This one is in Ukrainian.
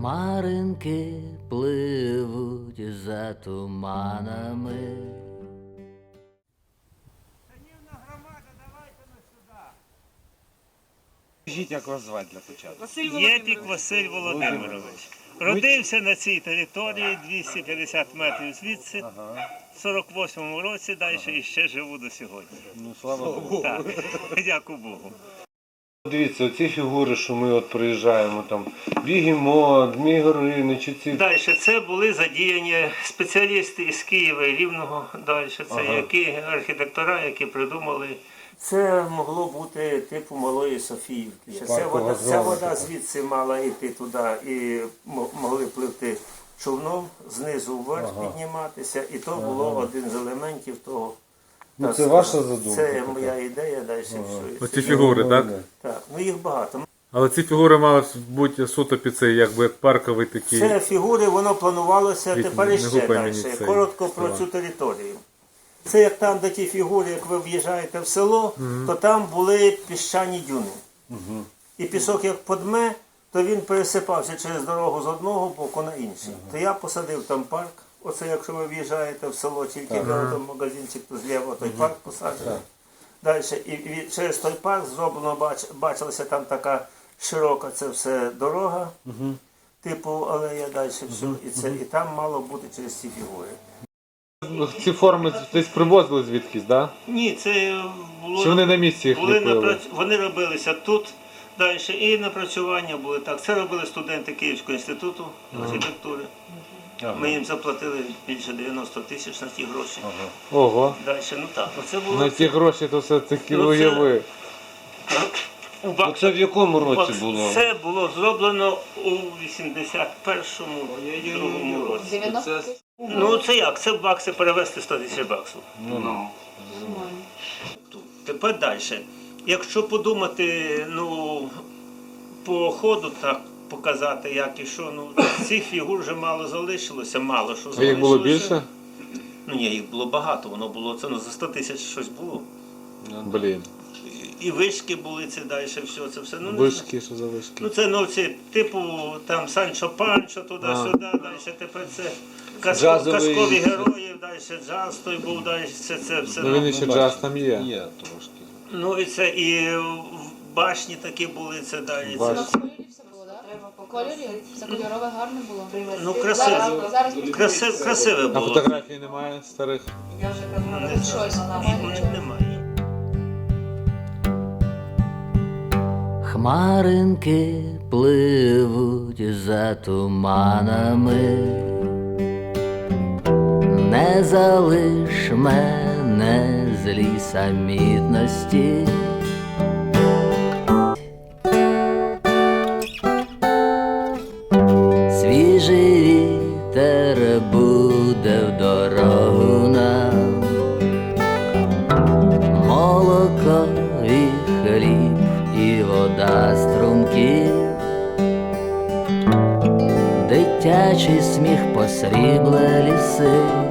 Хмаринки пливуть за туманами. Скажіть, як вас звати для початку? Єпік Василь Володимирович. Родився на цій території 250 метрів звідси, в 48-му році, далі і ще живу до сьогодні. Ну, слава Богу. Так, дякую Богу. Дивіться, оці фігури, що ми от приїжджаємо, там, Бігемот, Дмій Горинич, ці... Далі це були задіяні спеціалісти із Києва і Рівного. Далі це які архітектора, які придумали. Це могло бути типу Малої Софіївки. Ця вода звідси мала йти туди і могли пливти човном, знизу вверх підніматися. І то було один з елементів того. Ну, це ваша задумка? Це моя ідея, далі все. Оці фігури, так? Так, ну їх багато. Але ці фігури мали бути суто під цей, якби як парковий такий. Це фігури, воно планувалося тепер іще далі. цей Коротко про цю територію. Це як там, де ті фігури, як ви в'їжджаєте в село, то там були піщані дюни. І пісок як подме, то він пересипався через дорогу з одного боку на інший. То я посадив там парк. Оце якщо ви в'їжджаєте в село, тільки де там магазинчик, то зліва той парк посаджений. Далі, і через той парк зроблено, бачилася там така широка це все дорога, типу алея, далі все. І там мало бути через ці фігури. Ці форми десь привозили звідкись, так? Да? Ні, це було... Чи вони на місці їх ліпили? Вони робилися тут, далі, і напрацювання були так. Це робили студенти Київського інституту архітектури. Ми їм заплатили більше 90 тисяч на ті гроші. Ого. Далі, ну так, оце було... На ті гроші то все таки уяви. Це в якому році було? Це було зроблено у 81-му році. 90? Ну це як? Це в бакси перевести 100 тисяч баксів. Тепер далі. Якщо подумати, ну, по ходу так показати, як і що, ну, цих фігур вже мало залишилося, мало що залишилося. А їх було більше? Ну ні, їх було багато, воно було, це ну, за 100 тисяч щось було. Блін. І вишки були, це далі, все, це все. Ну, Вишки, що за вишки? ну це, ну, ці, типу, там Санчо Панчо, туди-сюди, далі, тепер це казкові герої, далі джаз той був, далі це все. Ну він ще джаз там є. Є трошки. Ну і це, і башні такі були, це далі. У нас в кольорі все було, так? По кольорі все кольорове гарне було. Ну, красиве А було. фотографій немає старих? Щось. Немає. Хмаринки пливуть за туманами. Не залиш мене злій самітності. Свіжий вітер буде в дорогу нам, молоко і хліб і вода струмків, дитячий сміх посрібле ліси.